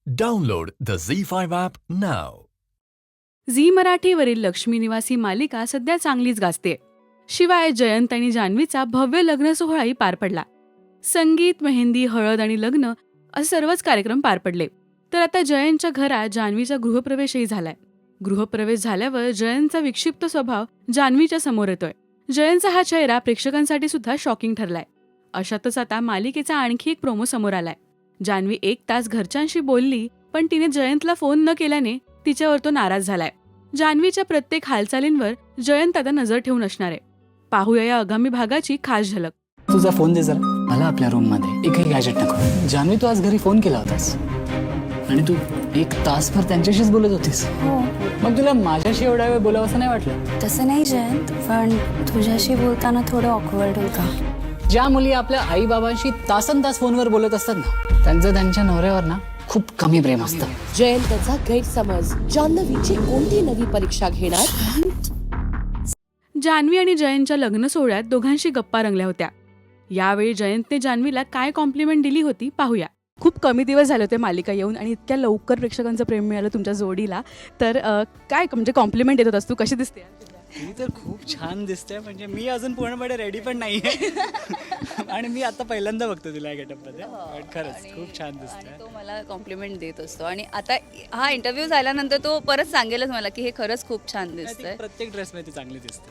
Download the Z5 app now. Zee मराठीवरील लक्ष्मी निवासी मालिका सध्या चांगलीच गाजते. शिवाय जयंत आणि जान्हवीचा भव्य लग्न सोहळाही पार पडला. संगीत, मेहंदी, हळद आणि लग्न असे सर्वच कार्यक्रम पार पडले. तर आता जयंतच्या घरात जान्हवीचा गृहप्रवेशही झालाय. गृहप्रवेश झाल्यावर जयंतचा विक्षिप्त स्वभाव जान्हवीच्या समोर येतोय. जयंतचा हा चेहरा प्रेक्षकांसाठी सुद्धा शॉकिंग ठरलाय. अशातच आता मालिकेचा आणखी एक प्रोमो समोर आलाय. जान्हवी 1 तास घरच्यांशी बोलली, पण तिने जयंतला फोन न केल्याने तिच्यावर तो नाराज झालाय. जान्हवीच्या प्रत्येक हालचालींवर जयंत आता नजर ठेवून असणार आहे. पाहूया या आगामी भागाची खास झलक. तुझा फोन दे जरा. मला आपल्या रूम मध्ये एकही गॅजेट नको. जान्हवी, तू आज घरी फोन केला होतास आणि तू 1 तासभर त्यांच्याशीच बोलत होतीस. हो, मग तुला माझ्याशी एवढा वेळ बोलावं असं नाही वाटलं? तसं नाही जयंत, पण तुझ्याशी बोलताना थोडं ऑकवर्ड होईल का? ज्या मुली आपल्या आई बाबांशी तासन तास फोनवर बोलत असतात ना, त्यांचं त्यांच्या नवऱ्यावर ना खूप कमी प्रेम असतं. जयंतचा गैरसमज. जान्हवीची कोणती नवी परीक्षा घेणार? जान्हवी आणि जयंतच्या लग्न सोहळ्यात दोघांशी गप्पा रंगल्या होत्या. यावेळी जयंतने जान्हवीला काय कॉम्प्लिमेंट दिली होती पाहूया. खूप कमी दिवस झाले होते मालिका येऊन आणि इतक्या लवकर प्रेक्षकांचं प्रेम मिळालं तुमच्या जोडीला. तर काय म्हणजे कॉम्प्लिमेंट देत होतास तू? कशी दिसते? ती तर खूप छान दिसते. म्हणजे मी अजून पूर्णपणे रेडी पण नाहीये आणि मी आता पहिल्यांदा बघतो तिला गेटअपमध्ये. खरंच खूप छान दिसते. तो मला कॉम्प्लिमेंट देत असतो आणि आता हा इंटरव्ह्यू झाल्यानंतर तो परत सांगेलच मला की हे खरंच खूप छान दिसतंय. प्रत्येक ड्रेसमध्ये ती चांगली दिसते.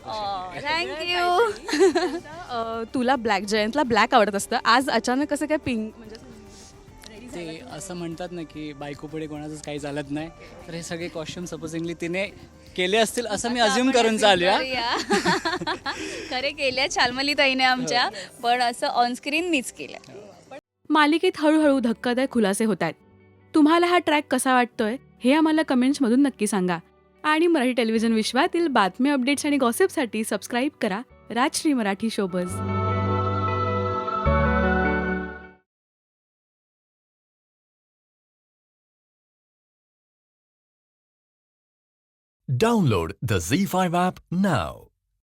थँक्यू. तुला जयंतला ब्लॅक आवडत असतं, आज अचानक कसं काय पिंक? म्हणजे ते असं म्हणतात ना की बायको पुढे कोणाचंच काही चालत नाही, तर हे सगळे कॉस्ट्युम सपोजिंगली तिने केले असतील असं मी अज्युम करून चालूया. खरे केल्या छालमली ताईने आमच्या, पण असं ऑनस्क्रीन मीच केलं. मालिकेत हळूहळू धक्कादायक खुलासे होत आहेत. तुम्हाला हा ट्रॅक कसा वाटतोय हे आम्हाला कमेंट्समधून नक्की सांगा. आणि मराठी टेलिव्हिजन विश्वातील बातमी, अपडेट्स आणि गॉसिपसाठी सबस्क्राईब करा Rajshri Marathi showbuzz. Download the Z5 app now.